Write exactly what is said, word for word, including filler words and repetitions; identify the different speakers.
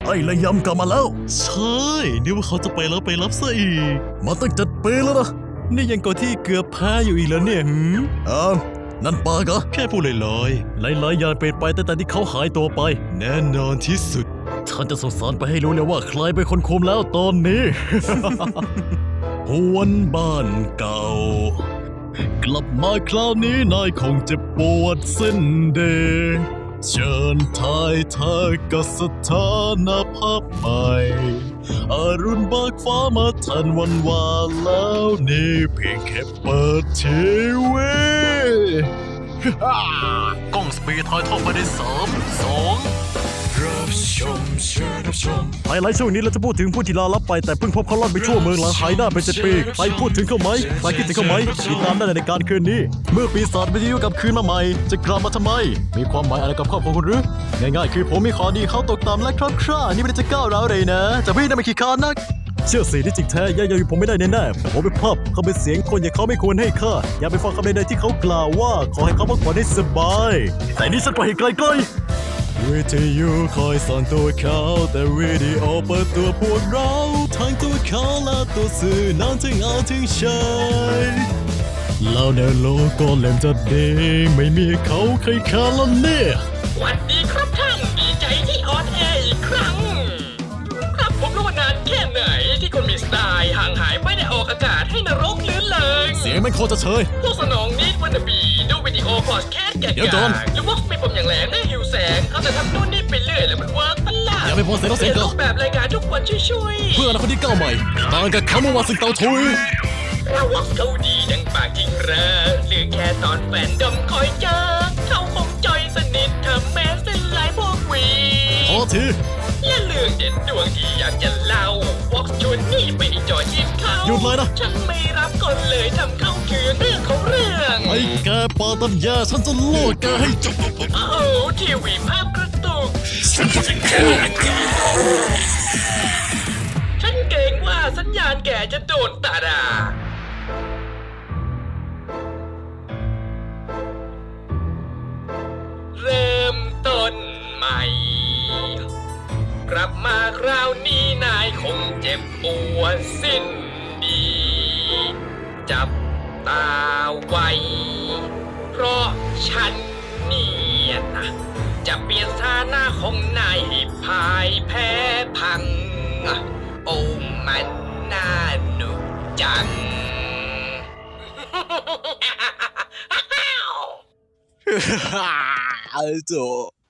Speaker 1: ไอ้ระยำกลับมาแล้ว
Speaker 2: ใช่นึกว่าเขาจะไปแล้วไปรับซะอีก
Speaker 1: มาตั้งเจ็ดปีแล้วนะ
Speaker 2: นี่ยังก่อนที่เกือบแพ้อยู่อีกแล้วเนี่ยหืม
Speaker 1: อ้าวนั่นปากเหรอ
Speaker 2: แค่พูดลอย
Speaker 1: ๆหลายๆอย่างเปลี่ยนไปตั้งแต่ที่เขาหายตัวไป
Speaker 2: แน่นอนที่สุด
Speaker 1: ฉันจะส่งสารไปให้รู้เลยว่าใครเป็นคนคุมแล้วตอนนี้ หวนบ้านเก่ากลับมาคราวนี้นายคงจะปวดสิ้นเดเชิญทายเธอกับสถานภาพใหม่อรุณเบิกฟ้ามาทันวันวานแล้วนี่เพียงแค่เปิดทีวีกล้องสปีดทอยทอดไปได้สามสองรับชมเชิญรับชมไฮไลท์ช่วงนี้เราจะพูดถึงผู้ที่ลาลับไปแต่เพิ่งพบเขาล่อนไปชั่วเมืองหลังหายหน้าไปเจ็ดปีใครพูดถึงเขาไหมใครคิดถึงเขาไหมติดตามได้ในการคืนนี้เมื่อปีศาจวิทยุกลับคืนมาใหม่จะกลับมาทำไมมีความหมายอะไรกับครอบครัวคุณหรือง่ายๆคือผมมีข้อดีเขาตกต่ำและครับคร่านี่ไม่ได้จะก้าวร้าวเลยนะแต่พี่น่ะไม่ขี้คานนักเชื่อสิที่จริงแท้ย่าอยู่ผมไม่ได้แน่ๆผมเป็นภาพเขาเป็นเสียงคนอย่างเขาไม่ควรให้ค่าอย่าไปฟังคำใดๆที่เขากล่าวว่าขอให้เขาพักผ่อนให้สบายแต่นี่ฉันไปไกลๆวิทยุคอยสอนตัวเขาแต่วิดีโอเปิดตัวพวกเราทั้งตัวเขาและตัวสื่อนั้นถึงเอาถึงใช้แล้วในโลกก็เล่มจะดีไม่มีเขาใครคาแล้วเนี่ย
Speaker 3: สวัสดีครับท่านดีใจที่ออนแอร์อีกครั้งครับผมรู้ว่านานแค่ไหนที่คนมีสไตล์ห่างหายไม่ได้ออกอากาศให้นรกลื่นเลย
Speaker 1: เสียงมันโคตรจะเชย
Speaker 3: พวกสนองนิดวันบีดูวิดีโอพอดแคสต์แก่ๆหรือว่าไม่ผมอย่างแหลมได้หิวแสงเอาแต่ทำนู่นนี่ไปเรื่อยแล้วมันเวิร์กประหลาด
Speaker 1: อย่าไปโพสเสียงเสียงเกิน
Speaker 3: แบบรายการทุกวันช่วย
Speaker 1: ๆเพื่ออนาคตที่ก้าวใหม่ต่างกับเขาเมื่อวานสิ่งเตาทุย
Speaker 3: เราวักเขาดีดังปากจริงเหรอหรือแค่ตอนแฟนดมคอยเจอเขาคงจอยสนิทเธอแม้เส้นลายพวกวี
Speaker 1: พอที
Speaker 3: และเรื่องเด็ดดวงที่อยากจะเล่าวอกชวนนี่ไปจอยยิ้มเขา
Speaker 1: หยุดเลยนะ
Speaker 3: ฉันไม่รับก่อนเลยทำเข้าคืนเรื่องของเรื่อง
Speaker 1: ไอ้แกปาตัญญาฉันจะโลดแกให้จบ
Speaker 3: โอ้ทีวีภาพกระตุกฉันเกรงว่าสัญญาณแกจะโดนตัดอ่ะเริ่มต้นใหม่กลับมาคราวนี้นายคงเจ็บปวดสิ้นดีจับตาไว้เพราะฉันเนี่ยนะจะเปลี่ยนฐานะของนายให้พ่ายแพ้พังโอ้มันน่าหนุกจัง
Speaker 1: ฮ่าฮ่าฮ่า